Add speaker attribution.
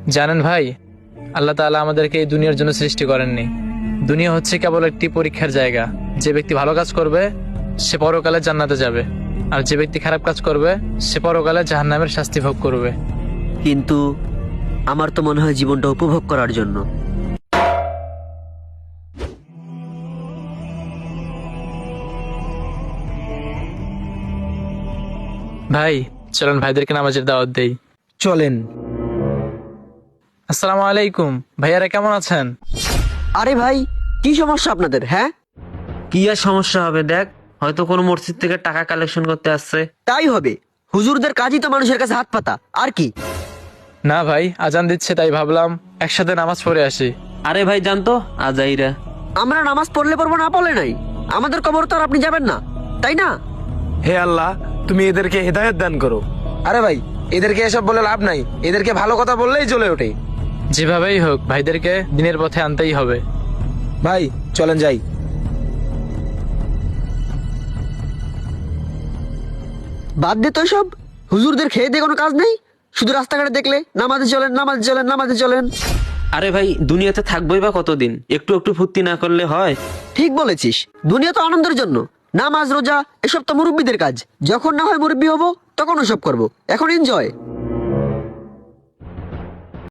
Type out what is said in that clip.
Speaker 1: জানেন ভাই, আল্লাহ তাআলা আমাদেরকে এই দুনিয়ার জন্য সৃষ্টি করেননি। দুনিয়া হচ্ছে কেবল একটি পরীক্ষার জায়গা। যে ব্যক্তি ভালো কাজ করবে সে পরকালে জান্নাতে যাবে, আর যে ব্যক্তি খারাপ কাজ করবে সে পরকালে জাহান্নামের শাস্তি ভোগ করবে।
Speaker 2: কিন্তু আমার তো মনে হয় জীবনটা উপভোগ করার জন্য।
Speaker 1: ভাই চলেন ভাইদেরকে নামাজের দাওয়াত দেই।
Speaker 3: চলেন।
Speaker 1: আসসালামু আলাইকুম, ভাইয়ারা কেমন আছেন?
Speaker 2: আরে ভাই, কি সমস্যা আপনাদের? হ্যাঁ,
Speaker 4: কি আর সমস্যা হবে, দেখ হয়তো কোনো মসজিদ থেকে টাকা কালেকশন করতে আসছে।
Speaker 2: তাই হবে। হুজুরদের কাজই তো মানুষের কাছে হাত পাতা, আর কি?
Speaker 1: না ভাই, আজান দিচ্ছে তাই ভাবলাম একসাথে নামাজ পড়ে আসি।
Speaker 4: আরে ভাই জানতো আজাইরা।
Speaker 2: আমরা নামাজ পড়লে পড়বো, না পড়লে নাই। আমাদের কবর তো আর আপনি যাবেন না, তাই না?
Speaker 3: হে আল্লাহ, তুমি এদেরকে হেদায়েত দান করো। আরে ভাই, এদেরকে এসব বলে লাভ নাই, এদেরকে ভালো কথা বললেই জ্বলে ওঠে।
Speaker 1: যেভাবেই হোক ভাইদেরকে দিনের পথে আনতেই হবে।
Speaker 3: ভাই চলেন যাই।
Speaker 2: বাদ দে তো সব। হুজুরদের খেয়ে দিয়ে কোনো কাজ নেই, শুধু রাস্তাঘাটে দেখলে নামাজে চলেন, নামাজে চলেন, নামাজে চলেন।
Speaker 4: আরে ভাই দুনিয়াতে থাকবোই বা কতদিন, একটু একটু ফুর্তি না করলে হয়?
Speaker 2: ঠিক বলেছিস, দুনিয়া তো আনন্দের জন্য। নামাজ রোজা এসব তো মুরব্বীদের কাজ। যখন না হয় মুরব্বী হবো তখন ওসব করবো। এখন এনজয়।